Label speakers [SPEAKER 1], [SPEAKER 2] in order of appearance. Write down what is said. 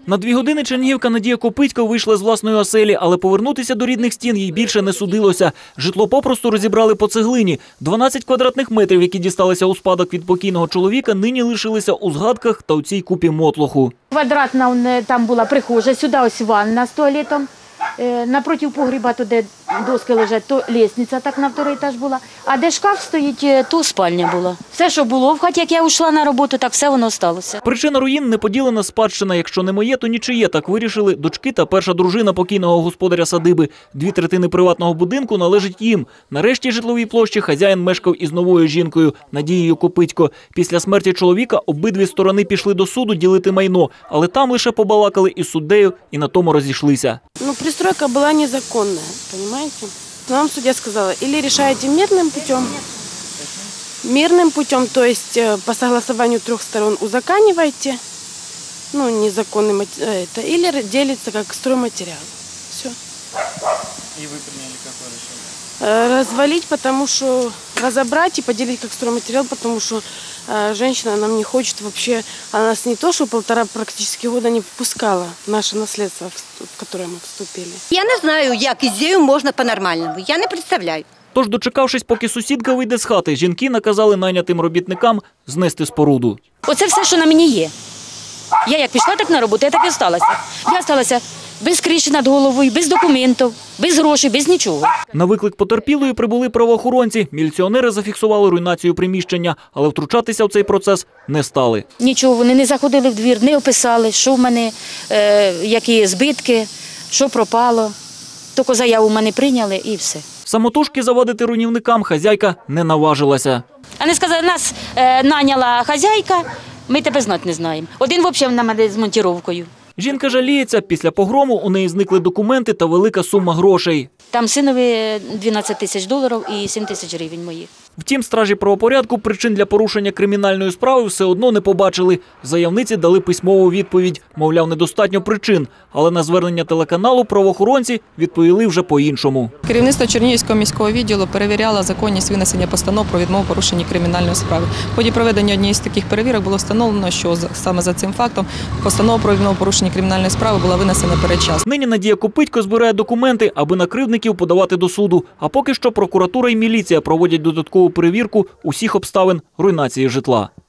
[SPEAKER 1] На 2 години чернігівка Надія Копитько вийшла з власної оселі, але повернутися до рідних стін їй більше не судилося. Житло попросту розібрали по цеглині. 12 квадратних метрів, які дісталися у спадок від покійного чоловіка, нині лишилися у згадках та у цій купі мотлоху.
[SPEAKER 2] Квадратна там була прихожа, сюди ось ванна з туалетом. Напроти погріба, то де доски лежать, то лестниця так на 2-й етаж була. А де шкаф стоїть, то спальня була. Все, що було в хаті, як я йшла на роботу, так все воно сталося.
[SPEAKER 1] Причина руїн – неподілена спадщина. Якщо не моє, то нічиє. Так вирішили дочки та перша дружина покійного господаря садиби. 2/3 приватного будинку належить їм. На рештій житловій площі хазяїн мешкав із новою жінкою Надією Копитько. Після смерті чоловіка обидві сторони пішли до суду ділити майно. Але там лише побалакали із суддею і на тому розійшлися.
[SPEAKER 3] Пристройка была незаконная, понимаете? Нам судья сказала, или решаете мирным путем, то есть по согласованию 3 сторон узакониваете, незаконный это, или делится как стройматериал. Все.
[SPEAKER 4] И вы приняли какое решение?
[SPEAKER 3] Развалить, потому что разобрать и поделить как стройматериал, потому что женщина нам не хочет вообще, она нас не то, что 1,5 практически года не впускала в наше наследство, в которое мы вступили.
[SPEAKER 5] Я не знаю, як із нею можна по-нормальному, я не представляю.
[SPEAKER 1] Тож, дочекавшись, поки сусідка вийде з хати, жінки наказали найнятим робітникам знести споруду.
[SPEAKER 2] Оце все, що на мені є. Я як пішла так на роботу, я так і сталася. Я сталася без криші над головою, без документів, без грошей, без нічого.
[SPEAKER 1] На виклик потерпілої прибули правоохоронці. Міліціонери зафіксували руйнацію приміщення, але втручатися в цей процес не стали.
[SPEAKER 2] Нічого, вони не заходили в двір, не описали, що в мене, які збитки, що пропало. Тільки заяву в мене прийняли і все.
[SPEAKER 1] Самотужки завадити руйнівникам хазяйка не наважилася.
[SPEAKER 2] Вони сказали, нас наняла хазяйка, ми тебе знати не знаємо. Один взагалі на мене з монтіровкою.
[SPEAKER 1] Жінка жаліється, після погрому у неї зникли документи та велика сума грошей.
[SPEAKER 2] Там синові $12 000 і 7 000 гривень моїх.
[SPEAKER 1] Втім, стражі правопорядку причин для порушення кримінальної справи все одно не побачили. Заявниці дали письмову відповідь, мовляв, недостатньо причин. Але на звернення телеканалу правоохоронці відповіли вже по-іншому.
[SPEAKER 6] Керівництво Чернігівського міського відділу перевіряло законність винесення постанов про відмову порушення кримінальної справи. В ході проведення однієї з таких перевірок було встановлено, що саме за цим фактом постанова про відмову порушення кримінальної справи була винесена передчасно.
[SPEAKER 1] Нині Надія Копитько збирає документи, аби на кривдників подавати до суду. А поки що прокуратура і міліція проводять додаткову перевірку усіх обставин руйнації житла.